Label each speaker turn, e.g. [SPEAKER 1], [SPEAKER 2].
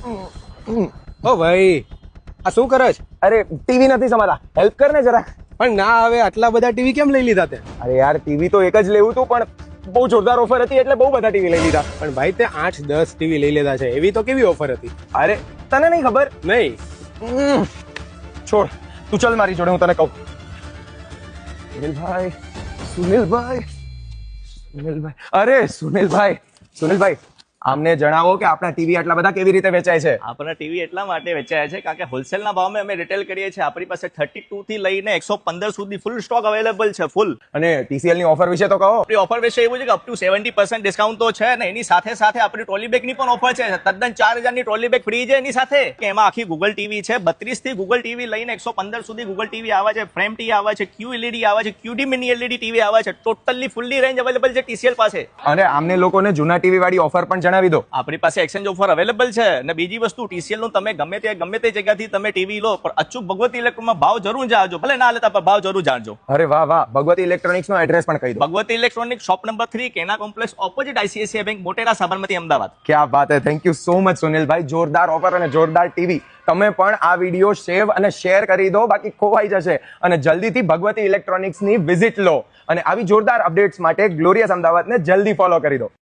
[SPEAKER 1] ઓ ભાઈ, આ શું કરે છે?
[SPEAKER 2] અરે ટીવી નથી સમાતા, હેલ્પ કર ને જરા.
[SPEAKER 1] પણ ના, હવે આટલા બધા ટીવી કેમ લઈ લીધા તે?
[SPEAKER 2] અરે યાર ટીવી તો એક જ લેવું હતું, પણ બહુ જોરદાર ઓફર હતી એટલે બહુ બધા ટીવી લઈ લીધા.
[SPEAKER 1] પણ ભાઈ, તે 8-10 ટીવી લઈ લીધા છે, એવી તો કેવી ઓફર હતી?
[SPEAKER 2] અરે તને નહીં ખબર?
[SPEAKER 1] નહીં.
[SPEAKER 2] છોડ, તું ચલ મારી જોડે, હું તને કહું. સુનિલભાઈ, સુનિલભાઈ, સુનિલભાઈ, અરે સુનિલભાઈ, આમને જણાવો કે આપણા ટીવી આટલા બધા કેવી રીતે વેચાય છે?
[SPEAKER 3] આપણા ટીવી એટલા માટે વેચાયા છે કારણ કે હોલસેલના ભાવમાં અમે રિટેલ કરીએ છીએ. આપણી પાસે 32 થી લઈને 115 સુધી ફૂલ સ્ટોક અવેલેબલ છે, ફૂલ.
[SPEAKER 2] અને TCL ની ઓફર વિશે તો કહો.
[SPEAKER 3] આપણી ઓફર વિશે એવું છે કે અપ ટુ 70% ડિસ્કાઉન્ટ તો છે ને એની સાથે સાથે આપણી ટ્રોલી બેગની પણ ઓફર છે. તદ્દન 4000 ની ટ્રોલી બેગ ફ્રી છે એની સાથે. કે એમાં આખી ગૂગલ ટીવી છે, 32 થી ગૂગલ ટીવી લઈને 115 સુધી ગૂગલ ટીવી આવે છે, ફ્રેમ ટીવી આવે છે, QLED આવે છે, QD મિની LED ટીવી આવે છે. ટોટલી ફૂલ્લી રેન્જ અવેલેબલ છે TCL પાસે.
[SPEAKER 2] અને આમને લોકોને જૂના ટીવી વાળી ઓફર પણ જણાવી દો.
[SPEAKER 3] આપણી પાસે એક્સચેન્જ ઓફર અવેલેબલ છે. અને બીજી વસ્તુ, TCL નું તમે ગમે તે જગ્યાથી તમે ટીવી લો, પણ અચૂક ભગવતી ઇલેક્ટ્રોનમાં ભાવ જરૂર જાણજો. ભલે ના લેતા પણ ભાવ જરૂર જાણજો.
[SPEAKER 2] અરે વાહ વાહ, ભગવતી ઇલેક્ટ્રોનિક્સ નો એડ્રેસ પણ કહી દો.
[SPEAKER 3] Bhagwati electronic shop number 3, Kena complex, opposite ICICI bank, Motera, Sabarmati, Ahmedabad.
[SPEAKER 2] ક્યાં વાત હે, થેન્ક યુ સો મચ સુનિલભાઈ. જોરદાર ઓફર અને જોરદાર ટીવી. તમે પણ આ વિડીયો સેવ અને શેર કરી દો, બાકી ખોવાઈ જશે. અને જલ્દીથી ભગવતી ઇલેક્ટ્રોનિક્સ ની વિઝિટ લો. અને આવી જોરદાર અપડેટ્સ માટે ગ્લોરિયસ અમદાવાદને જલ્દી ફોલો કરી દો.